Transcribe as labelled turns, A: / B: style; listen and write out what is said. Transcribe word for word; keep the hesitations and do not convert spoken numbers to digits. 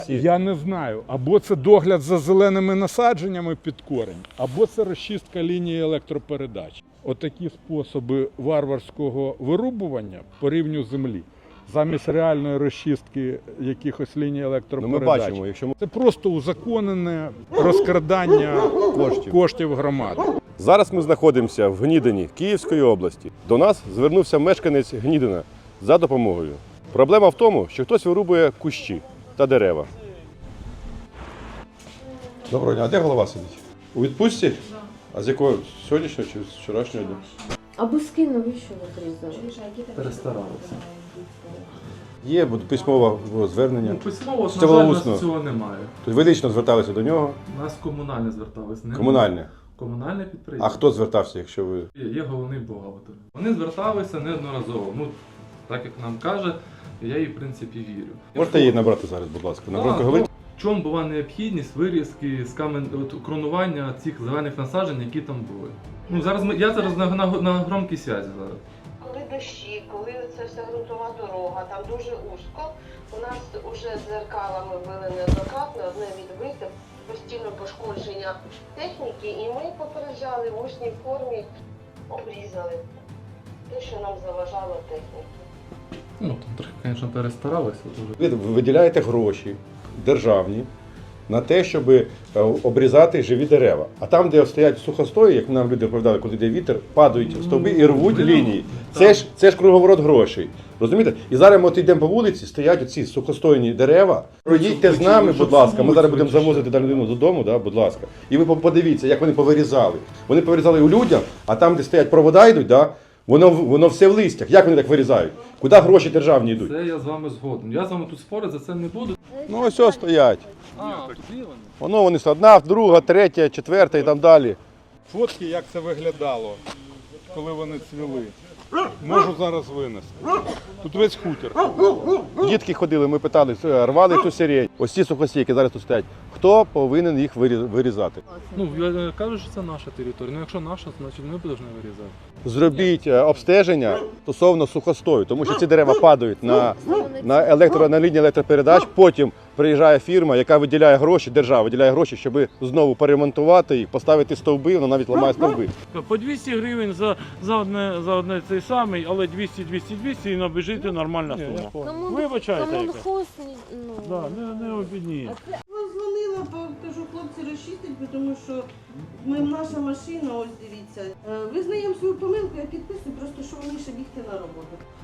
A: Я не знаю, або це догляд за зеленими насадженнями під корень, або це розчистка лінії електропередач. Отакі способи варварського вирубування по рівню землі, замість реальної розчистки якихось ліній електропередач.
B: Ну, ми бачимо, якщо ми...
A: Це просто узаконене розкрадання коштів. коштів громади.
B: Зараз ми знаходимося в Гнідині Київської області. До нас звернувся мешканець Гнідина за допомогою. Проблема в тому, що хтось вирубує кущі та дерева. Доброго дня, а де голова сидить? У відпустці? Так. А з якого? Сьогоднішнього чи з вчорашнього дня?
C: А буски навіщо ви зрізали?
D: Перестаралися.
B: Є письмове звернення.
D: Ну, письмово,
B: Це
D: на жаль,
B: було
D: у
B: усно.
D: нас цього немає.
B: Тобто ви лично зверталися до нього?
D: У нас комунальне зверталися. Не
B: Комунальне.
D: Комунальне підприємство.
B: А хто звертався, якщо ви...
D: Є, є головний бухгалтер. Вони зверталися неодноразово. Ну, так як нам каже, я їй в принципі вірю.
B: Можете її набрати зараз, будь ласка, на громко
D: Так,
B: говорити?
D: в чому була необхідність вирізки з камен... от, кронування цих зелених насаджень, які там були. Ну, зараз ми... Я зараз на, на, на громкій связі зараз.
E: Коли дощі, коли це вся ґрунтова дорога, там дуже узько. У нас вже дзеркалами били неоднократно, одне відбите, постійно пошкодження техніки, і ми попереджали в усній формі, обрізали те, що нам заважало техніки.
D: Ну, там трохи, звісно, перестаралися. Дуже.
B: Ви виділяєте гроші державні на те, щоб обрізати живі дерева. А там, де стоять сухостої, як нам люди розповідали, коли йде вітер, падають стовби і рвуть
D: Ну,
B: лінії.
D: так.
B: Це ж, це ж круговорот грошей. Розумієте? І зараз ми от йдемо по вулиці, стоять оці сухостойні дерева. Проїдьте з нами, будь ласка, ми зараз будемо завозити дану людину додому, да, будь ласка. І ви подивіться, як вони повирізали. Вони повирізали у людям, а там, де стоять провода йдуть, да, воно, воно все в листях. Як вони так вирізають? Куди гроші державні йдуть?
D: Це я з вами згоден. Я з вами тут спорити за це не буду.
B: Ну ось ось стоять.
D: А, тут є вони.
B: Воно вони одна, друга, третя, четверта і там далі.
A: Фотки, як це виглядало, коли вони цвіли. Можу зараз винести. Тут весь хутір.
B: Дітки ходили, ми питали, рвали ту сирень. Ось ці сухості, які зараз тут стоять. Хто повинен їх вирі- вирізати?
D: Ну, я кажу, що це наша територія. Ну, якщо наша, значить ми повинні вирізати.
B: Зробіть е, обстеження стосовно сухостою, тому що ці дерева падають на, на, електро, на лінії електропередач, потім приїжджає фірма, яка виділяє гроші, держава виділяє гроші, щоб знову поремонтувати їх, поставити стовби, вона навіть ламає стовби.
F: По двісті гривень за, за, одне, за одне цей самий, але двісті двісті двісті і набіжити нормальна сума.
C: Кому,
F: Вибачайте,
C: кому
F: яке.
C: хос, ну...
F: Да, не, не обідні.
G: Я дзвонила, бо кажу, хлопці розчистять, тому що ми, наша машина, ось дивіться. Е, Визнаємо свою помилку, я підписую, просто що вони ще бігти на роботу.